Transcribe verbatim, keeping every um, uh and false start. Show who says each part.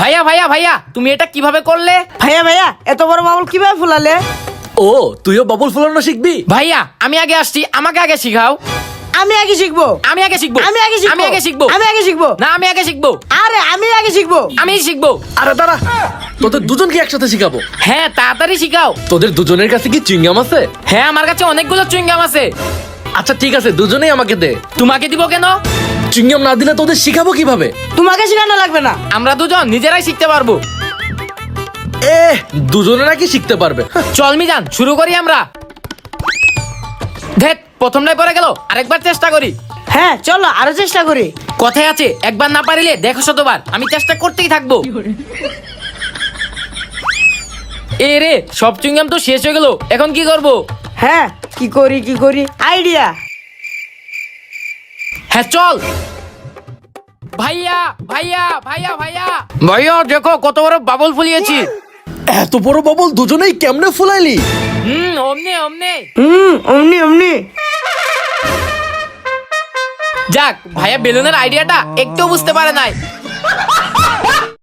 Speaker 1: ভাইয়া ভাইয়া ভাইয়া তুমি এটা কিভাবে করলে?
Speaker 2: ভাইয়া ভাইয়া এত বড় বাবুল কিভাবে ফুলালে?
Speaker 3: ও তুইও বাবুল ফুলানো শিখবি?
Speaker 1: ভাইয়া আমি আগে আসছি, আমাকে আগে শিখাও।
Speaker 2: আমি আগে শিখবো।
Speaker 1: আমি আগে শিখবো।
Speaker 2: আমি আগে শিখবো।
Speaker 1: আমি আগে শিখবো।
Speaker 2: আমি আগে শিখবো।
Speaker 1: না আমি আগে শিখবো।
Speaker 2: আরে আমি আগে শিখবো।
Speaker 1: আমি শিখবো।
Speaker 3: আরে দাঁড়া, তোদের দুজনকে একসাথে শিখাবো।
Speaker 1: হ্যাঁ তাড়াতাড়ি শিখাও।
Speaker 3: তোদের দুজনের কাছে কি চুইংগাম আছে?
Speaker 1: হ্যাঁ আমার কাছে অনেকগুলো চুইংগাম আছে।
Speaker 3: আচ্ছা ঠিক আছে, দুজনেই আমাকে দে।
Speaker 1: তোমাকে দিব কেন?
Speaker 3: চুইংগাম না দিলে তোদের শিখাবো কিভাবে?
Speaker 2: তোমাকে শেখানো লাগবে না।
Speaker 1: আমরা দুজন নিজেরাই শিখতে পারবো।
Speaker 3: এ দুজনে নাকি শিখতে পারবে?
Speaker 1: চল মিজান শুরু করি আমরা। ধেত প্রথমটাই পড়ে গেল, আরেকবার চেষ্টা করি।
Speaker 2: হ্যাঁ চলো আরো চেষ্টা করি।
Speaker 1: কথায় আছে একবার না পারিলে দেখো শতবার। আমি চেষ্টা করতেই থাকবো। এ রে সব চুইংগাম তো শেষ হয়ে গেল, এখন কি করব?
Speaker 2: হ্যাঁ কি করি কি করি আইডিয়া।
Speaker 1: হ্যাঁ চল। ভাইয়া ভাইয়া ভাইয়া ভাইয়া ভাইয়া দেখো কত বড় বাবল ফুলিয়েছি।
Speaker 3: এত বড় বাবুল দুজনেই কেমনে ফুলাইলি?
Speaker 1: হুম অমনে অমনে।
Speaker 2: হুম অমনি অমনি।
Speaker 1: যাক ভাইয়া বেলুনের আইডিয়াটা একটু বুঝতে পারে নাই।